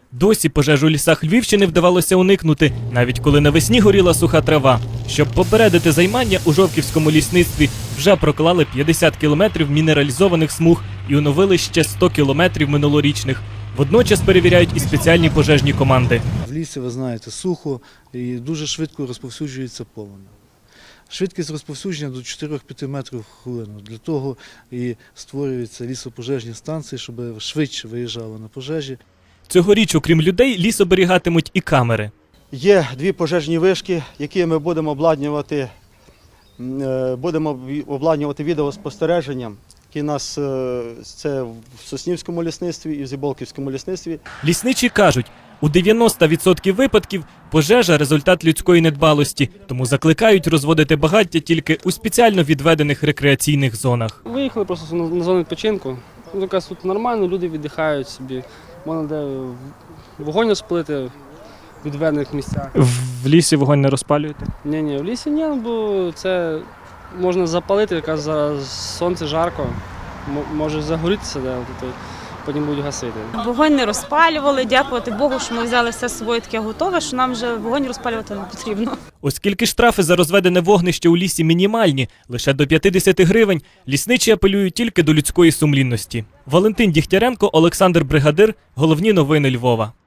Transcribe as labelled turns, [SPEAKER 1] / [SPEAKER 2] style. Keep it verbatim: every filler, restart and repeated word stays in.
[SPEAKER 1] Досі пожежу у лісах Львівщини вдавалося уникнути, навіть коли навесні горіла суха трава. Щоб попередити займання, у Жовківському лісництві вже проклали п'ятдесят кілометрів мінералізованих смуг і оновили ще сто кілометрів минулорічних. Водночас перевіряють і спеціальні пожежні команди.
[SPEAKER 2] В лісі, ви знаєте, сухо і дуже швидко розповсюджується полум'я. Швидкість розповсюдження до чотирьох-п'яти метрів в хвилину. Для того і створюються лісопожежні станції, щоб швидше виїжджали на пожежі.
[SPEAKER 1] Цьогоріч, окрім людей, ліс оберігатимуть і камери.
[SPEAKER 3] Є дві пожежні вишки, які ми будемо обладнувати, будемо обладнувати відеоспостереженням, які у нас це в Соснівському лісництві і в Зіболківському лісництві.
[SPEAKER 1] Лісничі кажуть, у дев'яноста відсотків випадків пожежа – результат людської недбалості, тому закликають розводити багаття тільки у спеціально відведених рекреаційних зонах.
[SPEAKER 4] Виїхали просто на зону відпочинку. Ну, якраз тут нормально, люди віддихають собі. Можна де вогонь розпалити в відведених місцях.
[SPEAKER 1] В лісі вогонь не розпалюєте?
[SPEAKER 4] Ні, ні, в лісі ні, бо це можна запалити, якраз зараз сонце жарко, може загорітися, де, потім будуть гасити.
[SPEAKER 5] Вогонь не розпалювали, дякувати Богу, що ми взяли все з собою таке готове, що нам вже вогонь розпалювати не потрібно.
[SPEAKER 1] Оскільки штрафи за розведене вогнище у лісі мінімальні, лише до п'ятдесят гривень, лісничі апелюють тільки до людської сумлінності. Валентин Дігтяренко, Олександр Бригадир. Головні новини Львова.